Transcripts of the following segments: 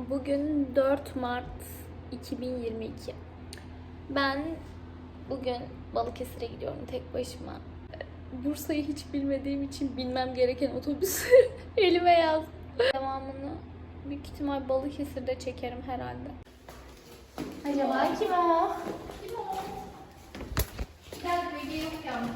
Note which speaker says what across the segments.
Speaker 1: Bugün 4 Mart 2022. Ben bugün Balıkesir'e gidiyorum tek başıma. Bursa'yı hiç bilmediğim için bilmem gereken otobüsü elime yazdım. Devamını büyük ihtimal Balıkesir'de çekerim herhalde. Acaba kim o? Kim o? Gel Bilge yok yalnız.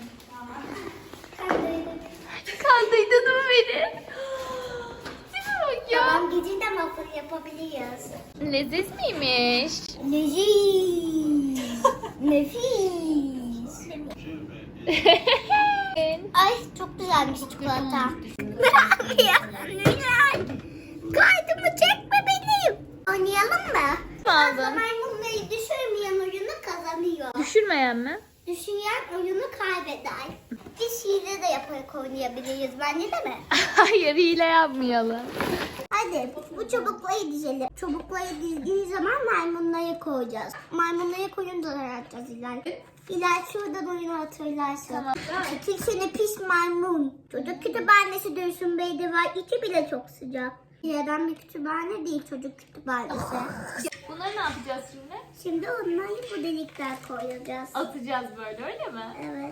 Speaker 1: Kandıydın mı beni? Ya.
Speaker 2: Tamam, gece de waffle yapabiliriz.
Speaker 1: Leziz miymiş?
Speaker 2: Leziz. Nefis. Ay çok güzelmiş çikolata. Kaydımı çekme benim. Oynayalım mı?
Speaker 1: Aldın.
Speaker 2: Maymunları düşürmeyen oyunu kazanıyor.
Speaker 1: Düşürmeyen mi?
Speaker 2: Düşüren oyunu kaybeder. Biz hile de yaparak oynayabiliriz bence, değil mi?
Speaker 1: Hayır, hile yapmayalım.
Speaker 2: Hadi bu çubukları dizelim. Çubukları dizdiği zaman maymunları koyacağız. Maymunları koyunca atacağız İlay. İlay şuradan oyunu hatırlarsın.
Speaker 1: Tamam.
Speaker 2: Çekil seni pis maymun. Çocuk kütüphanesi Dursun Bey'de var. İçi bile çok sıcak. Yerden bir kütüphane değil, çocuk kütüphanesi.
Speaker 1: Bunları ne yapacağız şimdi?
Speaker 2: Şimdi onları bu delikler koyacağız.
Speaker 1: Atacağız böyle, öyle mi?
Speaker 2: Evet.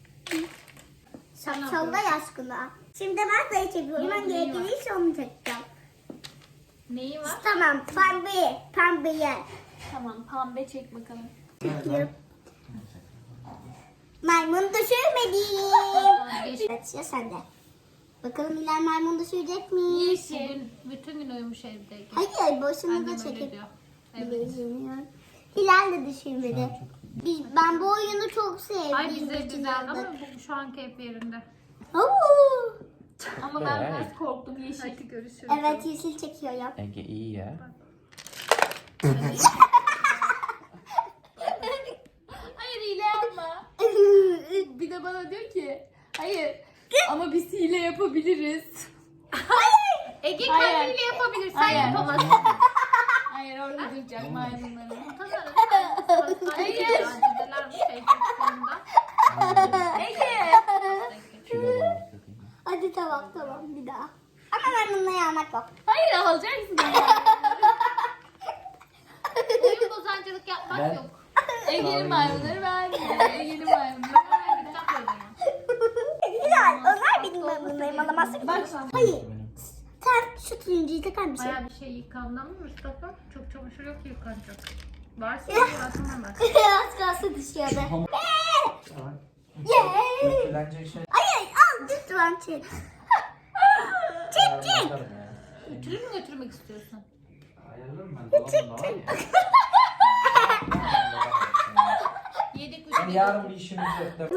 Speaker 2: Şapşalla aşkına. Şimdi ben sayı çekiyorum. Ben gerekirse onu çekeceğim.
Speaker 1: Neyi var?
Speaker 2: Tamam, pembe yer.
Speaker 1: Tamam, pembe çek bakalım.
Speaker 2: Çekiyorum. Maymun düşürmedim. Evet, ya sen de. Bakalım İlay maymun düşürecek mi?
Speaker 1: Yeşil. Bütün gün uyumuş evde.
Speaker 2: Hayır, boşuna
Speaker 1: Annem
Speaker 2: da
Speaker 1: öyle
Speaker 2: çekip.
Speaker 1: diyor.
Speaker 2: Bilmiyorum. Hilal de düşürmedi. Ben bu oyunu çok sevdim.
Speaker 1: Ay bize güzel ama bu şu an keyif yerinde.
Speaker 2: Oo.
Speaker 1: Ama ben biraz korktum yeşil. Hadi görüşürüz.
Speaker 2: Evet, yeşil çekiyorum.
Speaker 3: Ege iyi ya.
Speaker 1: Hayır, hile yapma. Bir de bana diyor ki hayır ama biz hile yapabiliriz. Ege kendi hile yapabilir, sen yapamazsın. Hayır, orada duracak maymunları. Hayır. Ege.
Speaker 3: Kilo var dediğim.
Speaker 2: Hadi tamam bir daha. Ama ben bununla yanmak yok.
Speaker 1: Hayır, alacaksın. Oyun bozancılık yapmak
Speaker 3: Ben-
Speaker 1: yok. Ege'nin maymunları ben. Ege'nin maymunları ben.
Speaker 2: Hilal, onlar benim maymunlarım, alamazsın.
Speaker 1: Bak.
Speaker 2: Hayır. Sen şu turuncuyu takar mısın?
Speaker 1: Bayağı bir şey yıkandı ama Mustafa çok çamaşır yok ki yıkanacak. Varsa yıkansın bak.
Speaker 2: Az kalsın düşüyordu.
Speaker 3: Dökülenecek şey.
Speaker 2: Hayır, al lütfen çek. Çek.
Speaker 1: Ütülü mü götürmek istiyorsun?
Speaker 3: Ayarlarım ben. Dolabımda var ya.
Speaker 1: Yedik
Speaker 3: Yani
Speaker 1: ütülü.
Speaker 3: yarın bir işimiz yok.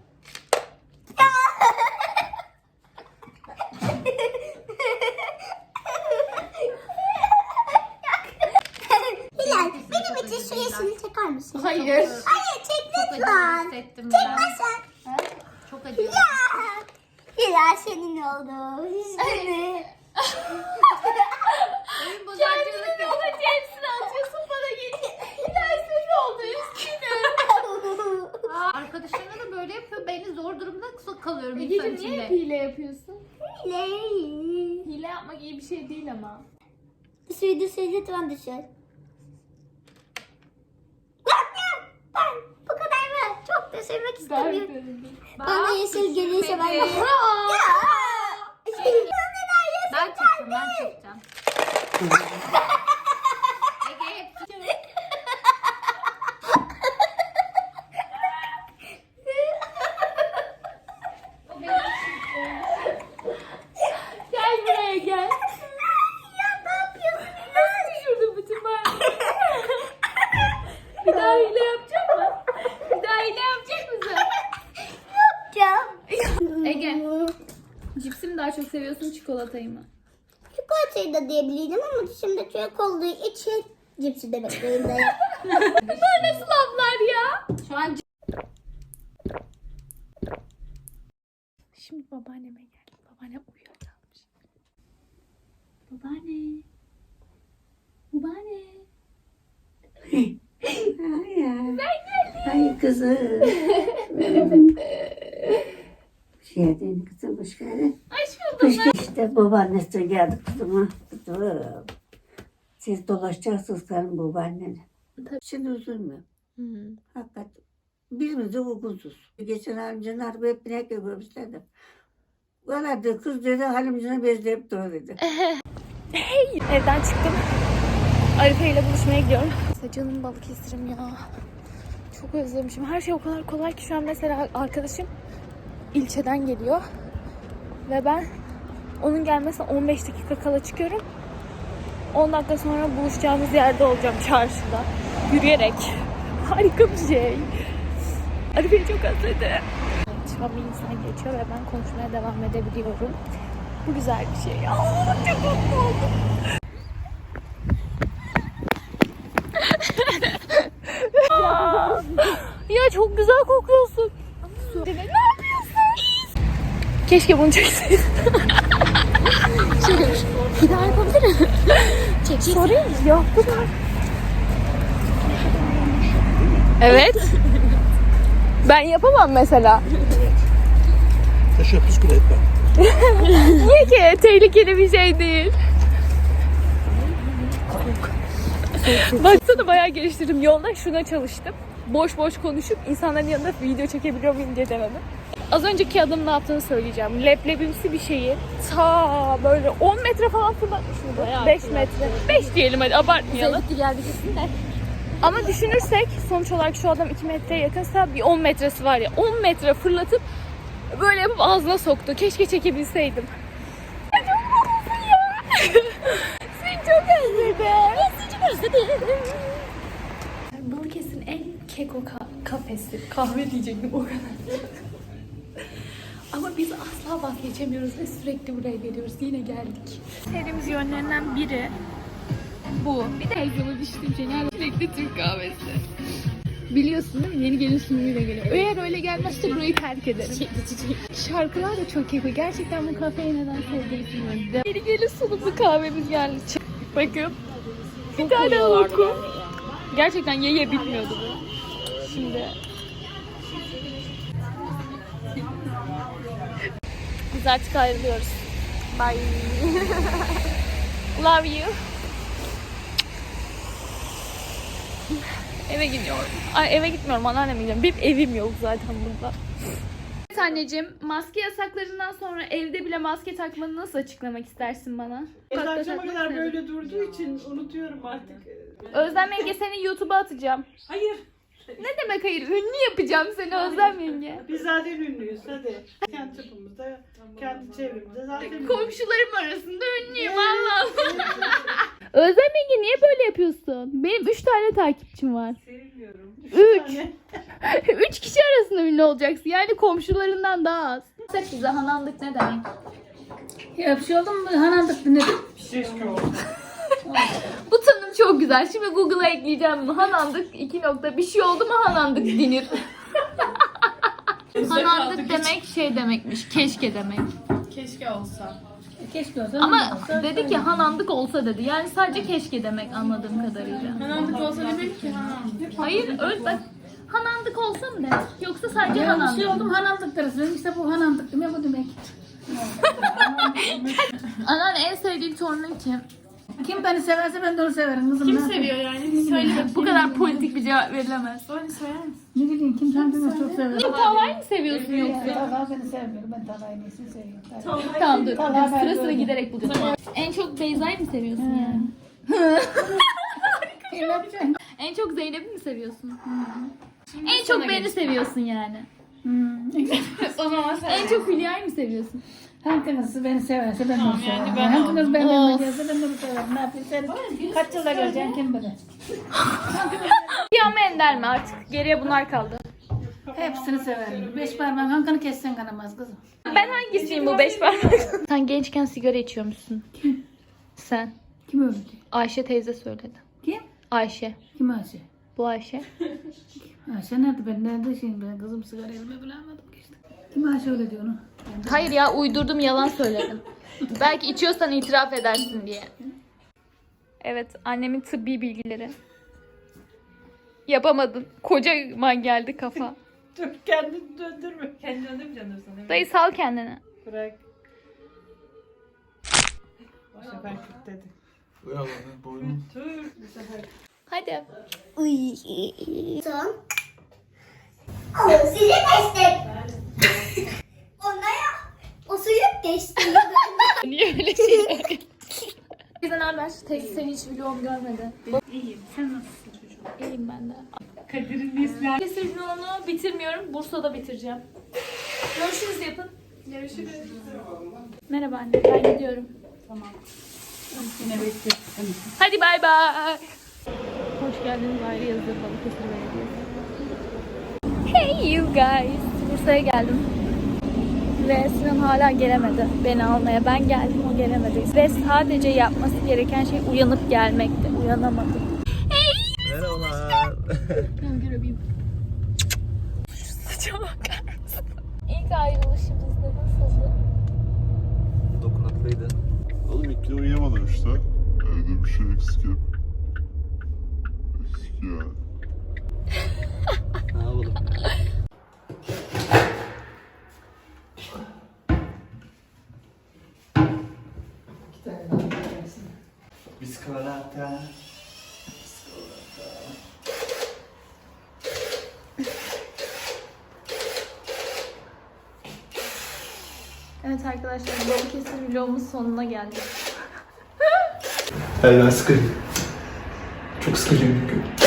Speaker 2: Hilal, benim için şu yeşili çeker misin?
Speaker 1: Hayır.
Speaker 2: Hayır, çek
Speaker 1: Çok
Speaker 2: lütfen.
Speaker 1: acı hissettim ben.
Speaker 2: Çekmezsen.
Speaker 1: Çok acı.
Speaker 2: Ya. Hilal senin oldu. Üzgünüm.
Speaker 1: Oyun bozancılık yok. Hadi hepsini atıyorsun bana geliyor. Dersin oldu üstüne. Arkadaşlarına da böyle yapıyor. Beni zor durumda kalıyorum insan Ege'cim niye
Speaker 2: şey
Speaker 1: hep içinde. hile yapıyorsun?
Speaker 2: Hilal.
Speaker 1: Hile yapmak iyi bir şey değil ama.
Speaker 2: Düşür lütfen düşür. Ben bu kadar mı? Çok düşürmek istemiyorum. Bana yeşil gelirse ben de... Ya.
Speaker 1: Ben çekeceğim. Ege hep Gel buraya gel.
Speaker 2: Ya ne yapıyorsun?
Speaker 1: Nasıl düşürdün bütün maymunları? Bir daha hile yapacak mı? Bir daha hile yapacak mısın?
Speaker 2: Yapacağım.
Speaker 1: Ege. Cipsi mi daha çok seviyorsun, çikolatayı mı?
Speaker 2: Çikolatayı da diyebilirdim ama şimdi çocuk olduğu için cipsi de bekleyin de.
Speaker 1: Bunlar nasıl laflar ya? Şu an Şimdi babaanneme geldim. Babaannem uyuyakalmış. Babaanne. Babaanne.
Speaker 4: Ay kızım. Hoş geldin kızım, hoş geldin.
Speaker 1: Hoş buldum.
Speaker 4: İşte babaannesi geldi kızıma. Kızım. Siz dolaşacaksınız karım babaannene.
Speaker 1: Tabii.
Speaker 4: Şimdi üzülme.
Speaker 1: Hı.
Speaker 4: Hakikat. Birimiz de uygunsuz. Geçen halimcinin araba hep binek görmüşler de. Valla de kız dedi halimcine bezleyip dur dedi.
Speaker 1: Evden çıktım. Arife ile buluşmaya gidiyorum. Canım Balıkesir'im ya. Çok özlemişim. Her şey o kadar kolay ki şu an mesela arkadaşım ilçeden geliyor. Ve ben onun gelmesine 15 dakika kala çıkıyorum. 10 dakika sonra buluşacağımız yerde olacağım çarşıda. Yürüyerek. Harika bir şey. Arife'yi çok özledim. Şu an bir insan geçiyor ve ben konuşmaya devam edebiliyorum. Bu güzel bir şey. Aa, çok mutlu oldum. Ya çok güzel kokuyorsun. Ne yapıyorsun? Keşke bunu çekseydin. Şöyle bir daha yapabilir miyim? Çek. Sorayım mı? Yok bu kadar. Evet. Ben yapamam mesela.
Speaker 5: Teşebbüs bile etmem.
Speaker 1: Niye ki? Tehlikeli bir şey değil. Baksana bayağı geliştirdim. Yolda şuna çalıştım. Boş boş konuşup insanların yanında video çekebiliyor muyum diye denedim. Az önceki adamın ne yaptığını söyleyeceğim. Leblebimsi bir şeyi ta böyle 10 metre falan fırlatmış mıydı? 5 metre. 5 diyelim hadi abartmayalım.
Speaker 2: Sevdi geldi kesin de.
Speaker 1: Ama düşünürsek sonuç olarak şu adam 2 metreye yakınsa bir 10 metresi var ya. 10 metre fırlatıp böyle yapıp ağzına soktu. Keşke çekebilseydim. Ya çok mutlusun ya. Seni çok özledim. Seni çok özledim. Balıkesir'in en keko kafesi. Kahve diyecektim o kadar. Ama biz asla vazgeçemiyoruz ve sürekli buraya geliyoruz. Yine geldik. Sevdiğimiz yönlerinden biri bu. Bir de egzola düştüğüm şey nerede? Sürekli Türk kahvesi. Biliyorsun değil mi? Yeni gelin sunumuyla geliyor. Eğer öyle gelmezse burayı terk ederim. Şarkılar da çok keko. Gerçekten bu kafeyi neden sevdiğimi bilmiyorum. Yeni gelin sunumlu kahvemiz geldi. Bakın. Bir tane oku. Gerçekten ye bitmiyordu bu. Şimdi. Biz artık ayrılıyoruz. Bye. Love you. Eve gidiyorum. Ay eve gitmiyorum, anneanneme gidiyorum. Benim evim yok zaten burada. Evet anneciğim, maske yasaklarından sonra evde bile maske takmanı nasıl açıklamak istersin bana?
Speaker 6: Akşama
Speaker 1: takmak
Speaker 6: kadar
Speaker 1: nedir?
Speaker 6: böyle durduğu için unutuyorum artık.
Speaker 1: Özlem Yenge seni YouTube'a atacağım.
Speaker 6: Hayır.
Speaker 1: Ne demek hayır? Ünlü yapacağım seni Özlem Yenge.
Speaker 6: Biz zaten ünlüyüz hadi. Kendi çapımızda, kendi çevremizde zaten ünlüyüz.
Speaker 1: Komşularım arasında ünlüyüm Allah. Özlem Yenge niye böyle yapıyorsun? Benim 3 tane takipçim var.
Speaker 6: Sevilmiyorum.
Speaker 1: 3. 3 kişi arasında ünlü olacaksın. Yani komşularından daha az. Sen bize hanandık ne demek?
Speaker 7: Ya bir şey oldu mu? Hanandık ne?
Speaker 6: Keşke olsun.
Speaker 1: Bu tanım çok güzel. Şimdi Google'a ekleyeceğim bunu. Hanandık 2 nokta. Bir şey oldu mu hanandık denir. Hanandık demek şey demekmiş. Keşke demek.
Speaker 6: Keşke olsa.
Speaker 7: Keşke olsa.
Speaker 1: Ama dedi ki hanandık olsa dedi. Yani sadece keşke demek anladığım kadarıyla.
Speaker 6: Hanandık olsa demek ki hanandık.
Speaker 1: Hayır öyle bak. Hanandık olsa mı demek? Yoksa sadece
Speaker 7: Ya bir
Speaker 1: hanandık.
Speaker 7: şey oldu mu hanandık deriz. İşte bu hanandık demek bu demek.
Speaker 1: Anneanne en sevdiğin torunun kim?
Speaker 7: Kim beni severse ben de onu severim kızım.
Speaker 6: Kim
Speaker 7: ne yapayım?
Speaker 6: seviyor yani? Söyle.
Speaker 1: Bu kadar politik bir cevap verilemez.
Speaker 6: Söyle söyler misin?
Speaker 7: Ne bileyim kim kendini çok sever.
Speaker 1: Tavayı mı seviyorsun yoksa?
Speaker 7: Talha beni sevmiyor. Ben Talha'yı neyse seviyorum.
Speaker 1: Tamam dur.
Speaker 7: Talha ben
Speaker 1: Sıra sıra
Speaker 7: böyle.
Speaker 1: giderek bulacağım. En çok Beyza'yı mı seviyorsun yani?
Speaker 7: Ne yapacaksın?
Speaker 1: En çok Zeynep'i mi seviyorsun? En çok beni seviyorsun yani.
Speaker 6: O zaman sen.
Speaker 1: En çok Hülya'yı mı seviyorsun?
Speaker 7: Hanginiz beni severse ben de onu severim.
Speaker 6: ben
Speaker 7: Hanginiz benim
Speaker 1: Of.
Speaker 7: yanıma gelse ben de onu severim. Ne yapayım sen kaç yılda göreceksin kim bilir.
Speaker 1: Hülya mı Ender mi artık? Geriye bunlar kaldı.
Speaker 7: Hepsini severim. 5 parmağın hankını kessen kanamaz kızım.
Speaker 1: Ben hangisiyim bu 5 parmak? Sen gençken sigara içiyormuşsun. Sen.
Speaker 7: Kim öldü?
Speaker 1: Ayşe teyze söyledi.
Speaker 7: Kim?
Speaker 1: Ayşe.
Speaker 7: Kim Ayşe?
Speaker 1: Bu Ayşe.
Speaker 7: Ayşe nerede? Ben nerede şimdi? Ben kızım sigara elime bulamadım işte. Kim Ayşe öyle diyor onu?
Speaker 1: Hayır ya uydurdum yalan söyledim. Belki içiyorsan itiraf edersin diye. Evet annemin tıbbi bilgileri. Yapamadın. Kocaman geldi kafa.
Speaker 6: Dur kendini döndürme. Kendini döndürmeyeceksin sana.
Speaker 1: Dayı sal kendini.
Speaker 6: Bırak. Bu sefer dedi.
Speaker 1: Hadi.
Speaker 2: Uy. Son. O suyu geçtik. Onlara o suyu geçti.
Speaker 1: Niye öyle şeyler? Bizden haber. Teyze seni hiç vlogum görmedi.
Speaker 7: İyiyim. Sen nasılsın çocuğum?
Speaker 1: İyiyim ben de.
Speaker 7: Kadir'in nesli.
Speaker 1: Kesir vlogunu bitirmiyorum. Bursa'da bitireceğim. Görüşürüz yapın.
Speaker 6: Görüşürüz.
Speaker 1: Merhaba anne. Ben gidiyorum.
Speaker 7: Tamam. Yine bekliyorum.
Speaker 1: Hadi bay bay. Hoş geldiniz ayrı yazılı Balıkesir Belediyesi. Hey you guys. Bursa'ya geldim. Ve Sinan hala gelemedi beni almaya. Ben geldim, o gelemedi. Ve sadece yapması gereken şey uyanıp gelmekti. Uyanamadı.
Speaker 3: Merhabalar.
Speaker 1: Ben görebileyim. Şu saça bakar mısın? İlk ayrılışımızda nasıldı?
Speaker 3: Dokunaklıydı.
Speaker 5: Oğlum ilk gün uyuyamadım işte. Evde bir şey eksik hep. Eksik ya.
Speaker 3: Ne yapalım? Biskolata.
Speaker 1: Evet arkadaşlar, Balıkesir vlogumuz sonuna geldik.
Speaker 8: Ben sıkıcı. Çok sıkıcı bir gün.